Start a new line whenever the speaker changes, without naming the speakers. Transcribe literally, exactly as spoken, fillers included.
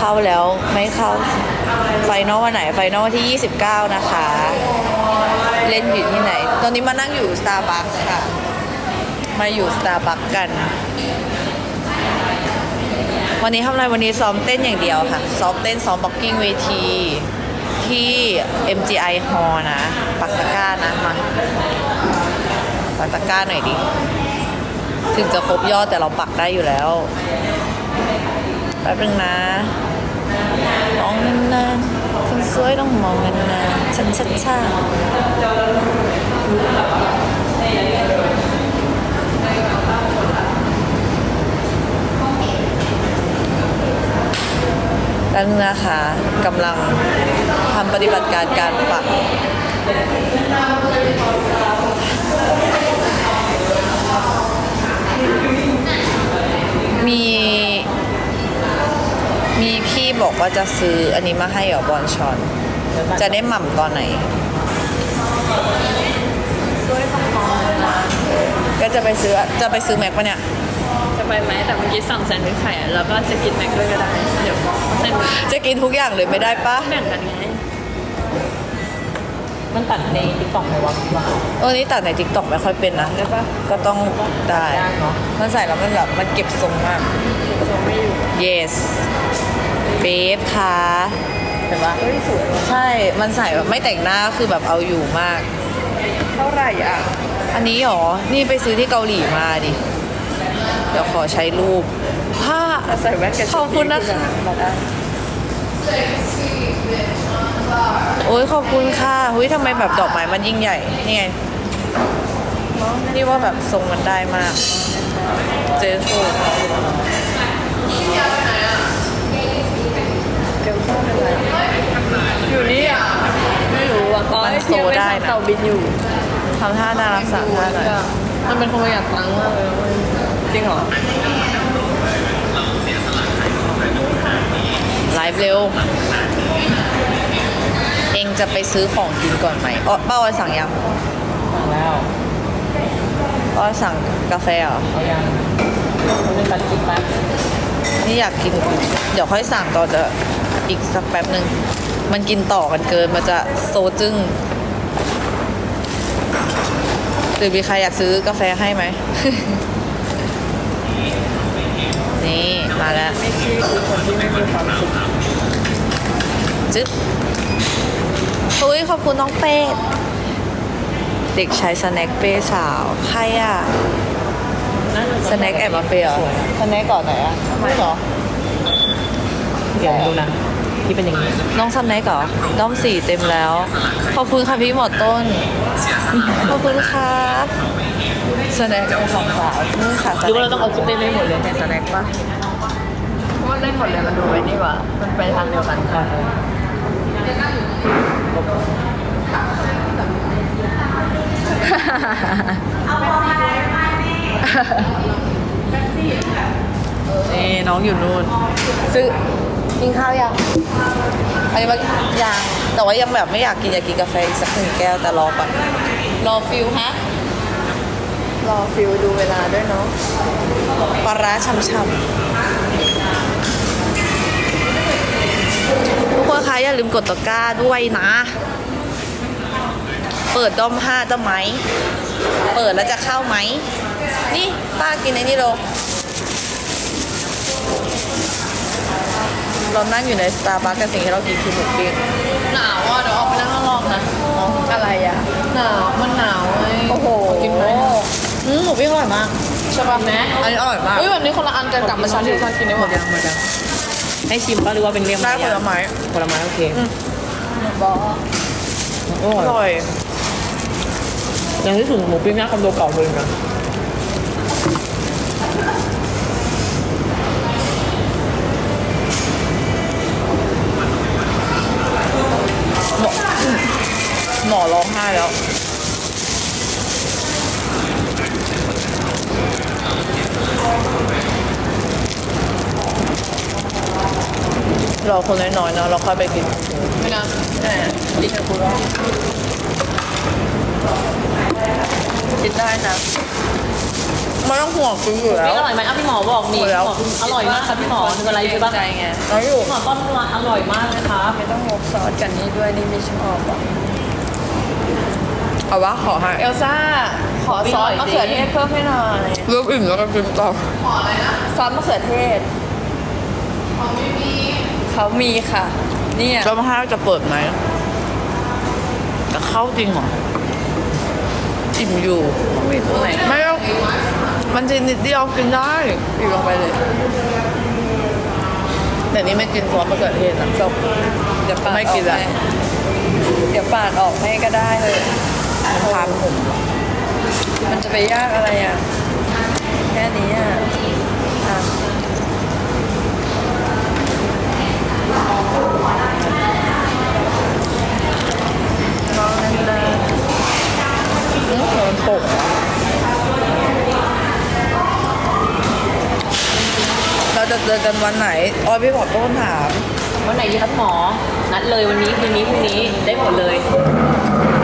าแล้วไม่เข้าไฟนอลวันไหนไฟนอลวันที่ยี่สิบเก้านะคะเล่นอยู่ที่ไหนตอนนี้มานั่งอยู่ Starbucks ค่ะมาอยู่ Starbucks กันวันนี้ทำอะไรวันนี้ซ้อมเต้นอย่างเดียวค่ะซ้อมเต้นซ้อมบ็อกกิ้งเวทีที่ เอ็ม จี ไอ Hall นะปักตะกร้านะมาปักตะกร้าหน่อยดิถึงจะครบยอดแต่เราปักได้อยู่แล้วแป๊บนึงนะมองนานๆคนสวยต้องมองนานๆชัดชัดชัดแล้วนะคะกำลังทำปฏิบัติการการปักมีมีพี่บอกว่าจะซื้ออันนี้มาให้เหรอบอลชอนจะได้หม่ำตอนไหนก็จะไปซื้อจะไปซื้อแม็กปะเนี่ย
จะไปไหมแต่เมื่อกี้สั่งแซนด์วิชไข่แล้วก็จะกินแม็กด้วยก็ได้เดี๋ยวแซนด์วิช
จะกินทุกอย่างเลยไม่ได้ปะ
แบ่งกันไง
มันตัดในติ๊กต็อกไหมวะว่า
เออนี่ตัดในติ๊กต็อกไม่ค่อยเป็นนะได้ปะก็ต้องได้มันใส่แล้วมันแบบมันเก็บทรงมาก
ทรงไม่อยู่
yes เบฟค่ะ
เห็นปะเฮ้ยสวย
ใช่มันใส่แบบไม่แต่งหน้าคือแบบเอาอยู่มาก
เท่าไหร่อ่ะ
อันนี้หรอนี่ไปซื้อที่เกาหลีมาดิเดี๋ยวขอใช้รูปผ้า
ใส่แว่นกัน
ขอบคุณนะคะโอ้ยขอบคุณค่ะเฮ้ยทำไมแบบดอกไม้มันยิ่งใหญ่นี่ไงนี่ว่าแบบทรงมันได้มากเจสโซ
อยู่นี่อ่ะไม่รู้อ่ะ
มันโซได้นะ
เต่าบินอยู่
ทำท่าน่ารักสามท่าหน่อย
มันเป็นคนประหยัดตังค์มากเลยจริงเหรอ
ไลฟ์เร็วเองจะไปซื้อของกินก่อนไหมอ๋อป้าออยสั่งยัง
สั่งแล้ว
ป้าออยสั่งกาแฟเหรอ
เอายังมันเป็นปัจจุบัน
นี่อยากกินเดี๋ยวค่อยสั่งต่อจะอีกสักแป๊บหนึ่งมันกินต่อกันเกินมันจะโซจึ้งหรือมีใครอยากซื้อกาแฟให้ไหม นี่มาแล้ว
ไม่ใช่คือคนที่ไม่มีความสุข
จึ๊บอุ้ยขอบคุณน้องเป้เด็กชายสแน็คเป้สาวใครอ่ะสแน็คแอบมาเป้เหรอสแน็คก่อนไหนอ่ะไม่หรอ
เดี๋ยวดูนะที่เป็นอย่างนี้
น้องสแน็คเหรอด้อมสี่เต็มแล้วขอบคุณค่ะพี่หมอต้นขอบคุณครับสแน็คของสาวนี่ค่ะ
หรือว่าเราต้องเอาคลิปเต้นให้หมดเลยในสแน็คป่ะ
เพราะว่าเล่นหมดเลยมันดูไว้นี่หว่ามันไปทางเดียวกันค่ะ
นี่น้องอยู่นู่นซื้อกินข้าวยังอันนี้ว่ายังแต่ว่ายังแบบไม่อยากกินอยากกินกาแฟอีกสักหนึ่งแก้วแต่รอก่อนรอฟิลฮะ
รอฟิลดูเวลาด้วยเนาะ
ปลาร้าช่ำๆทุกคนคะอย่าลืมกดตะกร้าด้วยนะเปิดด้อมห้าจะไหมเปิดแล้วจะเข้าไหมนี่ป้ากินไอ้นี่โลเรานั่งอยู่ในสตาร์บัคกันสิ่งที่เรากินคือหมูปิ้ง
หนาวอ่ะเดี๋ยวออกไปนั่งข้างนอกนะอะไรอ่ะหนาวมันหนาวไง
โอ้โห
กินไหม
อืมหมูปิ้งอร่อยมาก
ใช่ป่ะแม่
อันนี้อร่อยมาก
เฮ้ยวันนี้คนละอันกันกลับมาชั้นที่ชั้นกินได้หมด
ยังหมดยังให้ชิมป่ะหรือว่าเป็นเรียง
ได้ผลไม้
ผลไม้โอเค
บอก
อร่อย
ยังที่สุดหมูปิ้งหน้าคอนโดเก่าเลยนะ
หมอร้องไห้แล้วรอคนน้อยๆนะเราค่อยไปกิน
ไม่นะแต่ดิฉันพูดว่ากินได้นะ
ไม่ต้องห่วงกินอยู่แล้ว
พี่อร่อยไหมอ่ะพี่หมอบอกนี่
หมดแล้ว
พี่หมออร่อยมากครับพี่หมอคืออะไรใช่ปะ
ใจไง
น้อยอยู่
พี่หมอต้นร้านอร่อยมากเลยครับ
ไม่ต้องงกซอสกันนี่ด้วยนี่ไม่ชอบอ่ะ
เอาวะขอให้
เอลซ่า ขอซอสมะเขือเทศเพิ่มให้หน่อย
เริ่มอิ่มแล้วก็กินต่อ
ซอสมะเขือเทศเขามีค่ะ เนี่ย
แล้วมาห้าจะเปิดไหมจะเข้าจริงเหรออิ่มอยู่
มีตรงไหน
ไม่ต้องมันจะนิดเดียวกินได้
ปิดลงไปเลย
แต่นี่ไม่กินซอสมะเขือเทศนะ
จบเดี๋ยวปาด
ไม่กิน
ออ
ละ
ให้เดี๋ยวปาดออกให้ก็ได้เลย
ทานผม
มันจะไปยากอะไรอ่ะ แค่นี้อ่ะอ่ะลองนาน
มันตกเราจะเจอกันวันไหนออยพี่บอกต้นถาม
วันไหนดีครับหมอ นัดเลยวันนี้คืนนี้พรุ่งนี้ได้หมดเลย